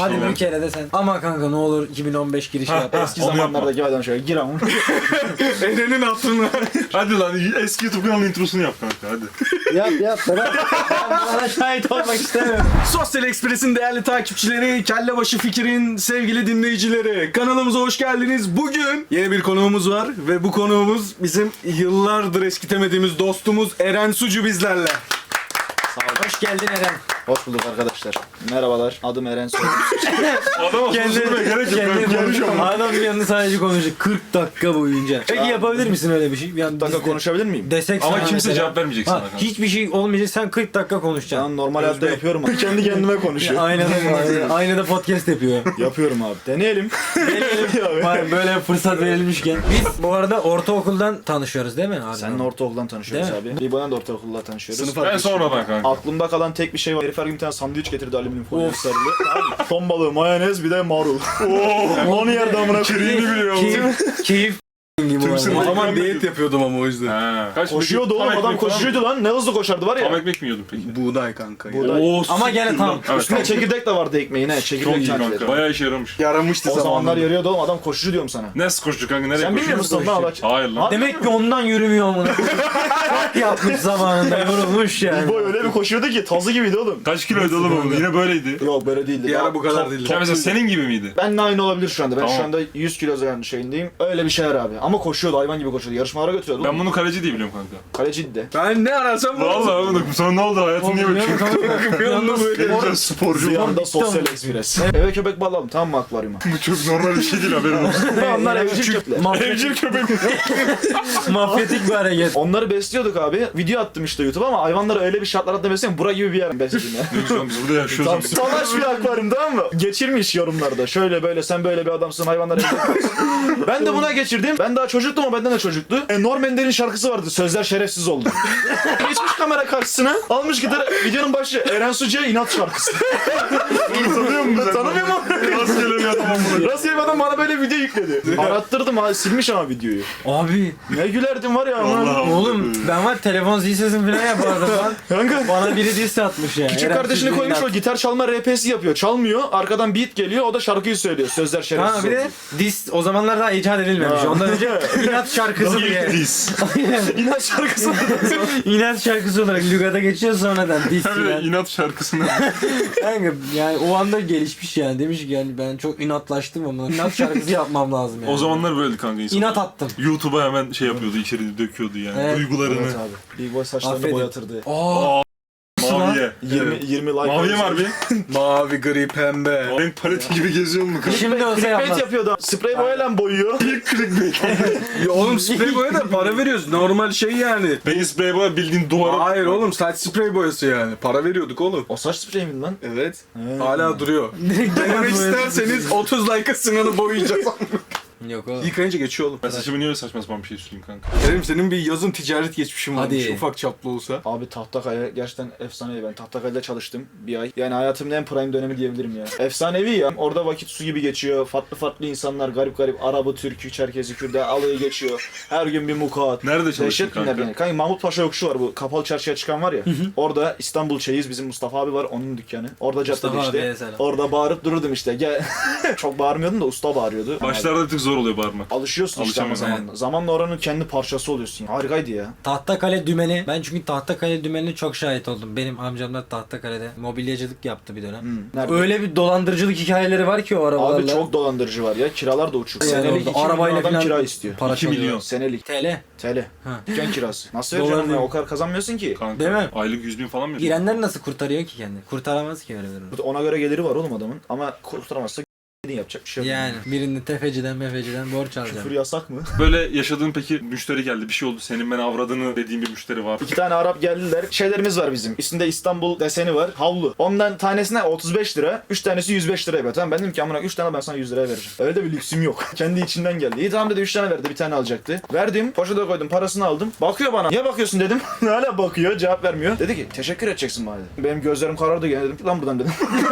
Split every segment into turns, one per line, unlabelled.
Hadi
şeyler.
bir kere de sen. Ama kanka ne olur 2015 girişi yap.
Eski
Onu
zamanlardaki adam şöyle gir ama.
Eren'in hatırına.
Hadi lan eski YouTube kanalının introsunu yap kanka hadi.
Yap ben bana şahit olmak istemiyorum.
Sosyal Express'in değerli takipçileri, Kellebaşı Fikir'in sevgili dinleyicileri. Kanalımıza hoş geldiniz. Bugün yeni bir konuğumuz var ve bu konuğumuz bizim yıllardır eskitemediğimiz dostumuz Eren Sucu bizlerle.
Hoş geldin Eren.
Hoş bulduk arkadaşlar. Merhabalar. Adım Eren Soy.
Adama susturmaya gerek yok. Ben konuşuyorum.
Adam yanında sadece konuşacak 40 dakika boyunca. Peki yapabilir misin öyle bir şey? Yani
dakika
biz de
konuşabilir miyim?
desek
Ama
sana
kimse
mesela-
cevap vermeyecek sana kanka.
Hiçbir şey olmayacak, sen 40 dakika konuşacaksın.
Ben normal hayatta yapıyorum abi. Kendi kendime konuşuyorum.
Aynada podcast yapıyor.
Yapıyorum abi. Deneyelim.
Var, böyle fırsat verilmişken. Biz bu arada ortaokuldan tanışıyoruz değil mi abi?
Seninle ortaokuldan tanışıyoruz
Değil
abi. İbo'dan da ortaokulda tanışıyoruz.
Sınıf
Ben
arkadaşı.
sonradan kanka.
Aklımda kalan tek bir şey var. Herif her gün bir tane sandviç getirdi alüminyum folyo sarılı. Ton balığı, mayonez bir de marul. Onu yerde amına koyayım.
Kirini biliyor
Keyif gibi bu
sınıf-
arada.
O zaman diyet yapıyordum ama o yüzden.
Ha. Kaç
Koşuyordu
tam
oğlum adam
ekmek falan mı?
koşuyordu lan. Ne hızlı koşardı var
Tam
ya.
ekmek mi yiyordun peki?
Buğday kanka.
Buğday.
Oo,
Ama gene
siktir
tam.
lan. Evet,
Üstüne
tam.
çekirdek de vardı ekmeğin he.
Çok
Çekirdek
iyi
çantaları.
kanka. Bayağı işe yaramış.
Yaramıştı
O zamanlar
zamanında.
yarıyordu oğlum adam koşucu diyorum sana.
Nasıl koştu kanka? Nereye
Sen bilmiyor
koşuyor?
musun lan Allah?
Hayır lan.
Demek ki ondan yürümüyor amına. Bak yapmış zamanında, yorulmuş yani.
İbo öyle bir koşuyordu ki tazı gibiydi oğlum.
Kaç kiloydu oğlum bu? Yine böyleydi.
Yok böyle değildi.
Bir ara
Daha
bu kadar
top-
değildi.
Ya mesela senin gibi miydi?
Benle aynı olabilir şu anda. Ben
Tamam.
şu anda 100 kilo şeyindeyim. Öyle bir şeyler abi. Ama koşuyordu hayvan gibi koşuyordu. Yarışmalara götürüyordu.
Ben bunu kaleci diye biliyorum kanka.
Kaleciydi de.
Ben ne ararsam
Vallahi oğlum sonra ne oldu? Hayatın niye böyle?
Bir anda böyle.
Güzel sporcu.
Bir anda
bitti
sosyal
ama.
ekspres. Eve köpek bağladım tamam mı akvaryuma?
Bu çok normal bir şey değil haberin olsun.
Onlar evcil köpekler.
Evcil köpek.
Mafyatik bir hareket.
Onları besliyorduk abi. Video attım işte YouTube'a ama hayvanları öyle bir şartlar altında besliyorum. Bura gibi bir yer besledim ya.
Biz burada yaşıyoruz.
Tam salaş bir akvaryum tamam mı? Geçirmiş yorumlarda. Şöyle böyle sen böyle bir adamsın hayvanlar evde kalsın. Ben de buna geçirdim. Ben daha çocuktum ama benden de çocuktu. Norm Ender'in şarkısı vardı. Sözler şerefsiz oldu. Geçmiş kamera karşısına. Almış gitar. Videonun başı Eren Sucu'ya inat şarkısı.
Tanıyor musun sen?
Tanımıyorum ama.
Rastgele bir adam bunu.
Rastgele bir adam bana böyle video yükledi. Arattırdım ha silmiş ama videoyu.
Abi
Ne gülerdim var ya ama.
Vallahi.
oğlum ben var telefon zil sesini falan yapardım lan.
Kanka.
Bana biri diss atmış ya.
Küçük
Eren
kardeşini
Sucu'yu
koymuş o
inat.
gitar çalma RP'si yapıyor. Çalmıyor. Arkadan beat geliyor. O da şarkıyı söylüyor. Sözler şerefsiz
Ha bir de
oldu.
diss o zamanlar daha icat edilmemiş.
Ha.
Ondan önce inat şarkısı diye.
Diz.
İnat şarkısı.
İnat şarkısı olarak lügata geçiyor sonradan diss
Böyle
yani.
inat şarkısını.
Kanka yani o anda gelişmiş yani demiş ki yani ben çok inatlaştım ama inat şarkısı yapmam lazım yani.
O zamanlar böyleydi kanka insan.
İnat attım.
YouTube'a hemen şey yapıyordu, içeri döküyordu yani.
Evet.
Duygularını.
Evet abi. Big Boy saçlarını
Affedin.
boyatırdı.
Maviye.
20 like.
Maviye var bir.
Mavi, gri, pembe.
Renk paleti gibi geziyor mu kanka?
Şimdi olsa
Clickbait
yapmaz.
yapıyordu. Sprey boyayla boyuyor.
Ya oğlum sprey boya da para veriyoruz. Normal şey yani.
Peki sprey boya bildiğin duvara...
Hayır oğlum saç sprey boyası yani. Para veriyorduk oğlum.
O saç sprey miydi lan?
Evet. Hala duruyor. Denemek isterseniz 30 like'a sınırını boyayacağız.
Yok oğlum.
Yıkayınca geçiyor oğlum.
Ben saçımı niye öyle saçma sapan bir şey süreyim kanka?
Kerim senin bir yazın ticaret geçmişin varmış.
Hadi.
Ufak çaplı olsa.
Abi Tahtakaya gerçekten efsanevi. Ben Tahtakale'de çalıştım bir ay. Yani hayatımın en prime dönemi diyebilirim ya. Efsanevi ya. Orada vakit su gibi geçiyor. Farklı farklı insanlar garip garip. Arabı, Türk'ü, Çerkezi, Kürt'ü alayı geçiyor. Her gün bir mukat.
Nerede çalıştın
Dehşet günler
kanka?
yani. Kanka Mahmut Paşa yokuşu var bu. Kapalı çarşıya çıkan var ya. Orada İstanbul Çeyiz bizim Mustafa abi var. Onun dükkanı. Orada caddede
Mustafa
işte.
abiye selam.
Orada bağırıp dururdum işte. Gel. Çok bağırmıyordum da usta bağırıyordu.
Başlarda bir tık zor oluyor bağırmak.
Alışıyorsun işte ama
Alışamam.
zamanla. Zamanla oranın kendi parçası oluyorsun. Harikaydı ya.
Tahtakale dümeni. Ben çünkü Tahtakale dümenine çok şahit oldum. Benim amcam da Tahtakale'de mobilyacılık yaptı bir dönem.
Nerede?
Öyle bir dolandırıcılık hikayeleri var ki o arabalarla.
Abi çok dolandırıcı var ya. Kiralar da uçuk.
Yani
Senelik
orada
2 milyon
arabayla
adam
falan
kira istiyor.
para
2 milyon.
çalıyor.
Senelik.
TL.
TL.
Ha.
Dükkan kirası. Nasıl
Dolar
vereceksin
değil.
ya? O kadar kazanmıyorsun ki.
Kanka.
Değil mi?
Aylık 100.000 falan mı?
Girenler nasıl kurtarıyor ki kendini? Kurtaramaz ki öyle bir durum.
Ona göre geliri var oğlum adamın. Ama kurtaramazsa yapacak bir şey yok.
Yani birini tefeciden mefeciden borç alacağım.
Küfür yasak mı?
Böyle yaşadığın peki müşteri geldi, bir şey oldu, senin ben avradını dediğin bir müşteri var.
2 tane Arap geldiler. Şeylerimiz var bizim. Üstünde İstanbul deseni var. Havlu. Ondan tanesine 35 lira. 3 tanesi 105 liraya ver. Tamam ben dedim ki amına 3 tane ben sana 100 liraya vereceğim. Öyle de bir lüksüm yok. Kendi içinden geldi. İyi tamam dedi 3 tane verdi. Bir tane alacaktı. Verdim. Poşete koydum. Parasını aldım. Bakıyor bana. Niye bakıyorsun dedim. Hala bakıyor. Cevap vermiyor. Dedi ki teşekkür edeceksin bana dedi. Benim gözlerim karardı gene dedim ki lan buradan dedim.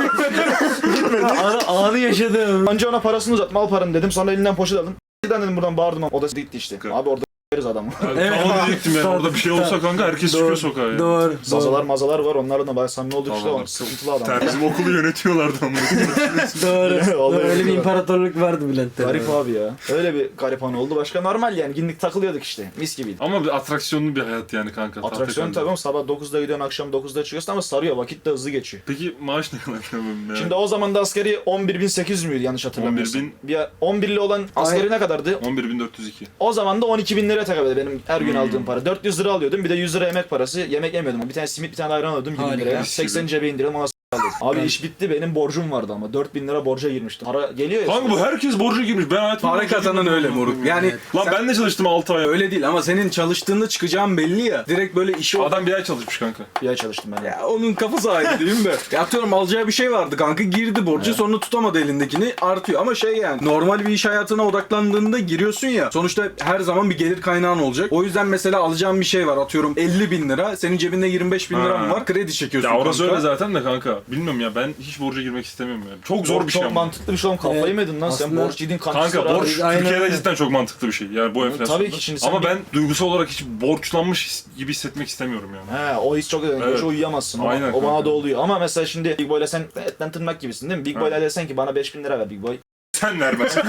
Anı yaşadım.
Önce ona parasını uzattım. Al paranı dedim. Sonra elinden poşet aldım. Bir tane dedim buradan bağırdım. O da gitti işte. Abi orada adamı.
Evet.
Tamam diyecektim yani. Orada bir şey olsa kanka herkes çıkıyor sokağa yani.
Doğru.
Zazalar mazalar var, onlarla da bayağı samimi olduk işte,
Tamam.
o sıkıntılı adam.
Bizim okulu yönetiyorlardı ama.
Doğru.
Vallahi
Öyle bir
öyle.
imparatorluk vardı Bülent'te.
Garip abi ya. Öyle bir garip anı oldu. Başka normal yani, günlük takılıyorduk işte. Mis gibiydi.
Ama bir atraksiyonlu bir hayat yani kanka.
Atraksiyon
Tahtakale'de.
tabii ama sabah 9'da gidiyorsun, akşam 9'da çıkıyorsun ama sarıyor. Vakit de hızlı geçiyor.
Peki maaş ne kadar ya?
Şimdi o zaman da askeri 11.800 müydü yanlış hatırlamıyorsam.
11.000.
Bir 11'li olan askeri ne kadardı?
11.402.
O zaman da 12.000 liraya tekabül ediyor benim her gün aldığım para. 400 lira alıyordum, bir de 100 lira yemek parası. Yemek yemiyordum. Bir tane simit, bir tane ayran alıyordum 20
Harika.
liraya. 80 cebe indirdim, ona alıyordum. Abi iş bitti, benim borcum vardı ama 4.000 lira borca girmiştim. Para geliyor ya.
Kanka bu herkes borca girmiş. Ben hayatımda
Para
borca
kazanan
girmedim.
öyle moruk. Yani
Lan ben de çalıştım 6 ay.
öyle değil ama senin çalıştığında çıkacağın belli ya. Direkt böyle işi
Adam bir ay çalışmış kanka.
Bir ay çalıştım ben.
Ya onun kafası ayrı değil mi? Ya atıyorum alacağı bir şey vardı kanka, girdi borcu, sonra tutamadı elindekini, artıyor. Ama şey yani normal bir iş hayatına odaklandığında giriyorsun ya, sonuçta her zaman bir gelir kaynağın olacak. O yüzden mesela alacağın bir şey var, atıyorum 50.000 lira, senin cebinde 25.000 liran
Ha.
var, kredi çekiyorsun
Ya orası
kanka.
öyle zaten de kanka. Bilmiyorum ya, ben hiç borca girmek istemiyorum yani. Çok zor bir şey
Çok
ama.
mantıklı bir şey oğlum, kafayı
Evet.
mı yedin lan sen,
Aslında-
borç yedin
Kanka borç
Aynen
Türkiye'de
öyle.
cidden çok mantıklı bir şey. Yani bu enflasyonda.
Tabii ki şimdi sen
Ama
bir-
ben duygusal olarak hiç borçlanmış gibi hissetmek istemiyorum yani.
He, o his çok önemli.
Evet.
Hiç uyuyamazsın.
Aynen
O bana
kanka.
da oluyor. Ama mesela şimdi Big Boy'la sen etten tırnak gibisin değil mi? Big Boy'la desen ki bana 5.000 lira ver Big Boy.
Sen vermezsin.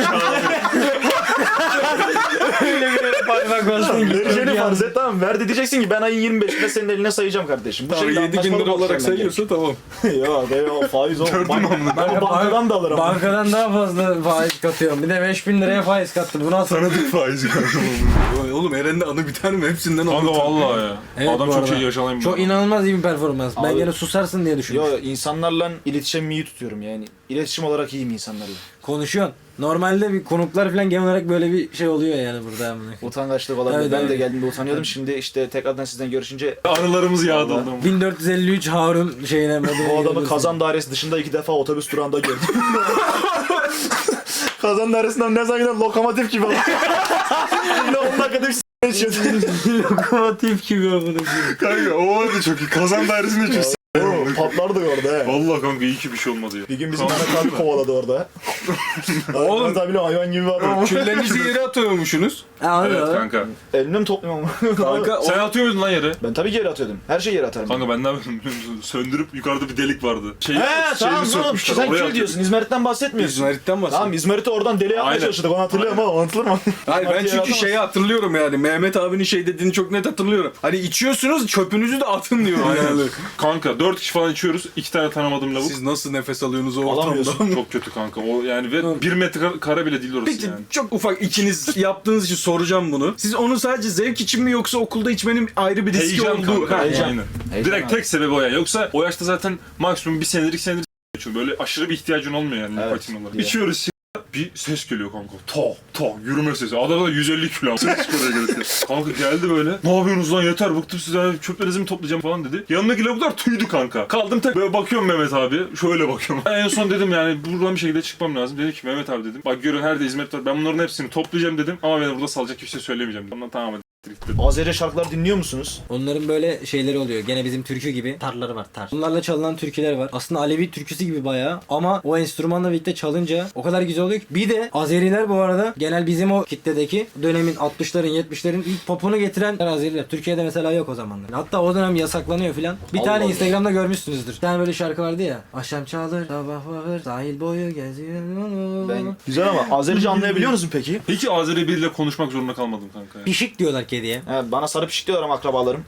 Parmak bastın
Vereceğini farz et, tamam mı? Ver de diyeceksin ki ben ayın 25'inde senin eline sayacağım kardeşim. Bu
Tamam,
şekilde
7.000
anlaşmalı
lira olarak
borçlarına
sayıyorsa tamam.
gel. Ya be, o faiz o. Ben o bankadan da alırım.
Bankadan daha fazla faiz katıyorum. Bir de 5.000 liraya faiz kattı. Bu nasıl?
Tanıdık faizi kanka.
Oğlum Eren'de anı biter mi? Hepsinden
Kanka
anlatır.
vallahi ya.
Evet,
Adam
bu
çok
arada.
şey yaşanayım.
Çok inanılmaz iyi bir performans. Ben
Abi-
gene susarsın diye düşünmüştüm.
Yo, insanlarla iletişim iyi tutuyorum yani. İletişim olarak iyiyim insanlarla.
Konuşuyorsun. Normalde bir konuklar falan genel olarak böyle bir şey oluyor yani burada.
Utangaçlık olabilir.
Evet,
Ben
evet.
de geldiğimde utanıyordum. Şimdi işte tekrardan sizden görüşünce
Anılarımız yağdı
Vallahi.
oğlum.
1453 Harun şeyine
bu adamı kazan dairesi dışında 2 defa otobüs durağında gördüm. Kazan dairesinden ne zaman giden lokomotif gibi oldu. Şimdi 10 dakikada bir s*** içiyordu.
lokomotif gibi oldu.
Kanka o vardı çok iyi. Kazan dairesinde çok
Oo, patlardı orada he.
Vallahi kanka iyi ki bir şey olmadı ya.
Bir gün bizim Mehmet abi kovaladı orada.
Oğlum.
Mehmet abiyle hayvan gibi bir adam.
Küllerinizi yere atıyormuşsunuz.
Evet kanka.
Elimle mi topluyorum ama?
Kanka
Sen atıyor muydun lan yere?
Ben tabii ki yere atıyordum. Her şeyi yere atarım.
Kanka ben ne yapıyordum biliyor musun? Söndürüp yukarıda bir delik vardı.
He tamam oğlum, sen kül diyorsun. İzmarit'ten bahsetmiyorsun.
İzmarit'ten bahsediyorum.
Tamam, İzmarit'i oradan deli yapmaya
Aynen.
çalıştık. Onu hatırlıyorum ama anlatılır mı?
Hayır ben
İzmarit'i yere
çünkü
atamazsın.
şeyi hatırlıyorum yani. Mehmet abinin şey dediğini çok net hatırlıyorum. Hani içiyorsunuz, çöpünüzü de atın diyor yani.
Kanka 4 kişi falan içiyoruz. 2 tane tanımadığım lavuk.
Siz nasıl nefes alıyorsunuz o ortamda?
Alamıyorsun.
Çok kötü kanka. O yani ve 1 metre kare bile değil orası
Peki
yani.
çok ufak ikiniz yaptığınız için soracağım bunu. Siz onu sadece zevk için mi yoksa okulda içmenin ayrı bir riski
Heyecan
olduğu?
kanka.
Heyecan.
Aynen.
Heyecan
Direkt
abi.
tek sebebi o yani. Yoksa o yaşta zaten maksimum bir senedir geçiyor. Böyle aşırı bir ihtiyacın olmuyor yani
Evet.
nikotin olarak.
Ya.
İçiyoruz bir ses geliyor kanka. To yürüme sesi. Adam da 150 kilo. Ses çıkıyor gelirken. Kanka geldi böyle. Ne yapıyorsunuz lan, yeter bıktım sizden, çöplerinizi mi toplayacağım falan dedi. Yanındaki lavuklar tüydü kanka. Kaldım tek böyle bakıyorum Mehmet abi. Şöyle bakıyorum. En son dedim yani buradan bir şekilde çıkmam lazım. Dedi ki Mehmet abi dedim. Bak görün her de hizmet var. Ben bunların hepsini toplayacağım dedim. Ama beni burada salacak hiçbir şey söylemeyeceğim. Ondan tamam hadi.
Azeri şarkılar dinliyor musunuz?
Onların böyle şeyleri oluyor. Gene bizim türkü gibi tarları var, tar. Bunlarla çalınan türküler var. Aslında Alevi türküsü gibi bayağı ama o enstrümanla birlikte çalınca o kadar güzel oluyor ki. Bir de Azeriler bu arada genel bizim o kitledeki dönemin 60'ların 70'lerin ilk popunu getiren Azeriler. Türkiye'de mesela yok o zamanlar. Hatta o dönem yasaklanıyor filan. Bir
Allah
tane
Allah.
Instagram'da görmüşsünüzdür. Bir tane böyle şarkı vardı ya. Akşam çalır, sabah varır, sahil boyu geziyor.
Ben... Güzel ama Azerice anlayabiliyor musun peki?
Peki Azeri biriyle konuşmak zorunda kalmadım kanka.
Pişik diyorlar kediye.
He, bana sarı pişik diyorlar ama akrabalarım.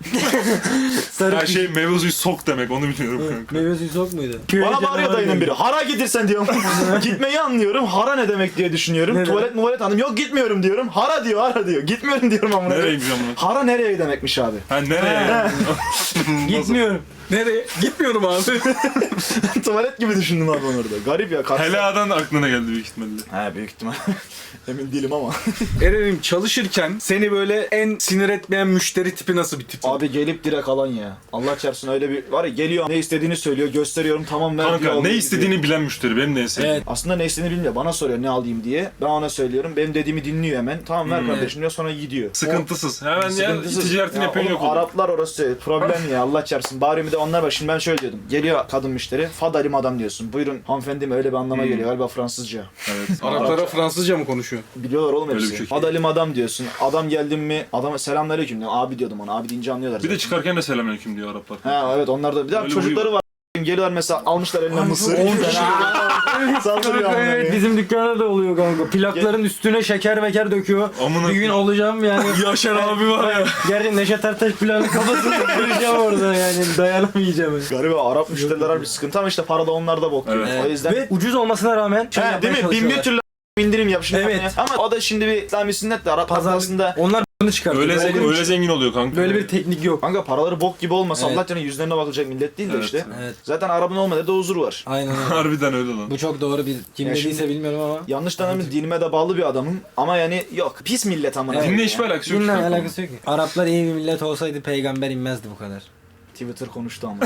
Sarı
Her şey meyve suyu sok demek, onu biliyorum kanka.
Meyve suyu sok muydu?
Bana bağırıyor dayının biri. Hara gidersen diyorum. Gitmeyi anlıyorum. Hara ne demek diye düşünüyorum.
Ne
Tuvalet anladım. Yok gitmiyorum diyorum. Hara diyor. Gitmiyorum diyorum ama.
Nereye gideceğim lan?
Hara nereye demekmiş abi?
Ha nereye?
Gitmiyorum.
Nereye? Gitmiyorum abi.
Tuvalet gibi düşündüm abi onu orada. Garip ya.
Hela'dan aklına geldi büyük ihtimalle.
He, büyük ihtimal. Emin değilim ama.
Eren'im çalışırken seni böyle en en sinir etmeyen müşteri tipi nasıl bir tip?
Abi gelip direkt alan ya. Allah çarpsın öyle bir var ya, geliyor ne istediğini söylüyor, gösteriyorum, tamam ver.
Kanka
diyor,
ne
alıyor,
istediğini
gidiyor.
bilen müşteri benim de en sevdiğim.
Evet.
Aslında ne istediğini bilmiyor. Bana soruyor ne alayım diye. Ben ona söylüyorum. Benim dediğimi dinliyor hemen. Tamam ver kardeşim diyor, sonra gidiyor.
Sıkıntısız. Hemen ya
Sıkıntısız.
ticaretini
Ya
yapıyor
oğlum,
yok olur.
Araplar orası problem ya, Allah çarpsın. Bari bir de onlar var. Şimdi ben şöyle diyordum. Geliyor kadın müşteri. Fadalim adam diyorsun. Buyurun hanımefendi mi, öyle bir anlama geliyor. Galiba Fransızca.
Evet.
Araplara Fransızca mı konuşuyor?
Biliyorlar oğlum
Öyle bir
hepsi.
şey.
Fadalim adam diyorsun. Adam geldim mi adama selamünaleyküm diyor. Abi diyordum ona. Abi deyince anlıyorlar
Bir de
zaten.
çıkarken de selamünaleyküm diyor Araplar.
Ha evet, onlar da bir de
Öyle
çocukları var. Geliyorlar mesela, almışlar eline mısır.
10 tane.
Saldırıyor
Evet,
amına.
bizim dükkanda da oluyor kanka. Plakların üstüne şeker meker döküyor.
Amına
Bir gün olacağım yani.
Yaşar abi var ya.
Gerçi Neşet Ertaş planı kafasını kıracağım orada yani. Dayanamayacağım.
Gariba Arap müşteriler var bir sıkıntı ama işte para da onlarda bok yiyor.
Evet.
O yüzden
Ve ucuz olmasına rağmen şey
He,
yapmaya
değil mi? Bin bir
çalışıyorlar.
türlü indirim yap şimdi.
Evet.
Ama o da şimdi bir İslami sünnet de Arap
Pazar-
aslında.
Onlar bunu çıkartıyor.
Öyle,
Böyle bir-
öyle zengin oluyor kanka.
Böyle bir teknik yok.
Kanka paraları bok gibi olmasa
Evet.
Allah canına yüzlerine bakılacak millet değil de
Evet.
işte.
Evet.
Zaten Arap'ın olmadığı da huzur var.
Aynen öyle.
Harbiden öyle lan.
Bu çok doğru bir kim
Ya
dediyse
şimdi-
bilmiyorum ama.
Yanlış tanımız, dinime de bağlı bir adamım ama yani yok. Pis millet amına.
Evet.
koyayım
Dinle
ya.
hiçbir alakası yok.
Dinle
işte.
alakası yok ki. Araplar iyi bir millet olsaydı peygamber inmezdi bu kadar.
Twitter konuştu ama.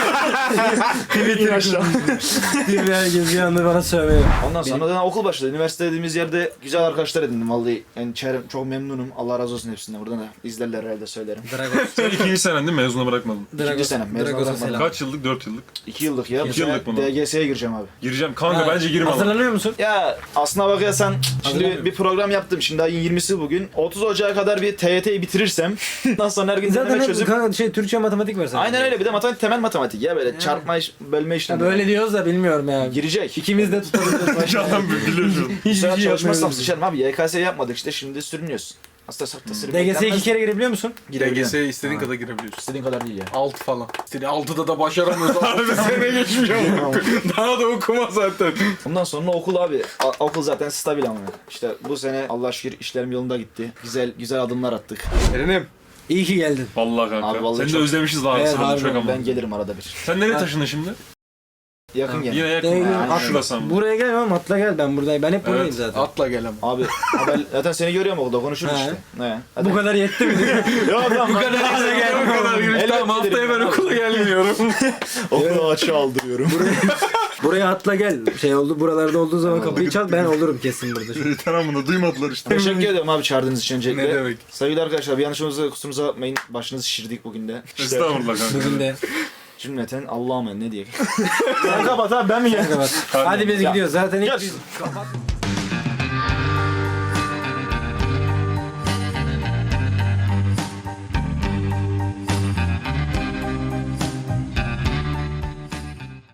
Twitter
aşağı.
herkes bir anda bana sövüyor.
Ondan sonra da okul başladı. Üniversite dediğimiz yerde güzel arkadaşlar edindim vallahi. Yani çevrem çok memnunum. Allah razı olsun hepsinden. Buradan da izlerler herhalde söylerim.
Dragos.
Sen ikinci senen değil mi? Mezuna bırakmadın.
İkinci senem, mezun
Dragos'a
olamadım.
selam.
Kaç yıllık? 4 yıllık.
2 yıllık ya. Bu
2
sene
yıllık bunu.
DGS'ye gireceğim abi.
Gireceğim. Kanka
Ha,
bence girme lan.
Hazırlanıyor musun?
Ya aslına bakarsan şimdi
Hazırlanıyorum.
bir program yaptım. Şimdi ayın 20'si bugün. 30 Ocağı kadar bir TYT'yi bitirirsem ondan sonra her gün
Zaten
deneme
hep
çözüp.
kanka Türkçe matematik var zaten.
Aynen öyle, bir de matematik, temel matematik ya böyle çarpma bölme
Ya
işlemi.
böyle diyoruz da bilmiyorum ya.
girecek.
İkimiz de tutabiliriz.
Adam biliyor şu an.
Hiçbir
Hiç
şey
çalışmazsam
yapmıyoruz.
sıçarım abi. YKS yapmadık işte, şimdi sürünüyoruz. Aslında sakta sürünmek
DGS'ye 2
denmez.
kere girebiliyor musun?
Girebiliyorum.
DGS'ye istediğin
Ha.
kadar girebiliyorsun.
İstediğin kadar değil ya.
6 falan. İstediğin 6'da da başaramıyorsun. 6 sene geçmiş ama. Daha da okuma zaten.
Ondan sonra okul abi. Okul zaten stabil ama. İşte bu sene Allah şükür işlerim yolunda gitti. Güzel adımlar attık.
Erenim.
İyi ki geldin.
Vallahi kanka.
Abi vallahi
Seni de
çok-
özlemişiz daha
Evet,
aslında.
harbiden.
Çok ama.
Ben gelirim arada bir.
Sen nereye taşındın şimdi?
Yakın gene.
Yine yakın.
Değil,
Ha,
atla.
şurası ama.
Buraya gel ama atla gel, ben buradayım. Ben hep buradayım
Evet,
zaten.
Atla gel ama.
Abi haber, zaten seni görüyorum okulda, konuşuruz
He.
işte. Ne? Hadi.
Bu kadar yetti mi?
Yok lan,
Bu kadar girmiş.
Elbet
Tamam, haftaya
gelirim.
ben okula gelmiyorum.
Okulu açığa aldırıyorum.
Buraya atla gel. Şey oldu, buralarda olduğu zaman kapıyı çal, ben olurum kesin burada.
Yeter amına duymadılar işte.
Teşekkür ediyorum abi çağırdığınız için öncelikle.
Ne demek?
Sevgili arkadaşlar, bir yanlışımıza kusurumuza bakmayın. Başınızı şişirdik bugün de. İşte
Estağfurullah kanka.
Bugün de.
cümleten Allah'a emanet, ne diyeyim. Sen kapat abi, ben mi geldim?
Hadi biz gidiyoruz. Zaten
Gel.
hiç... Kapat.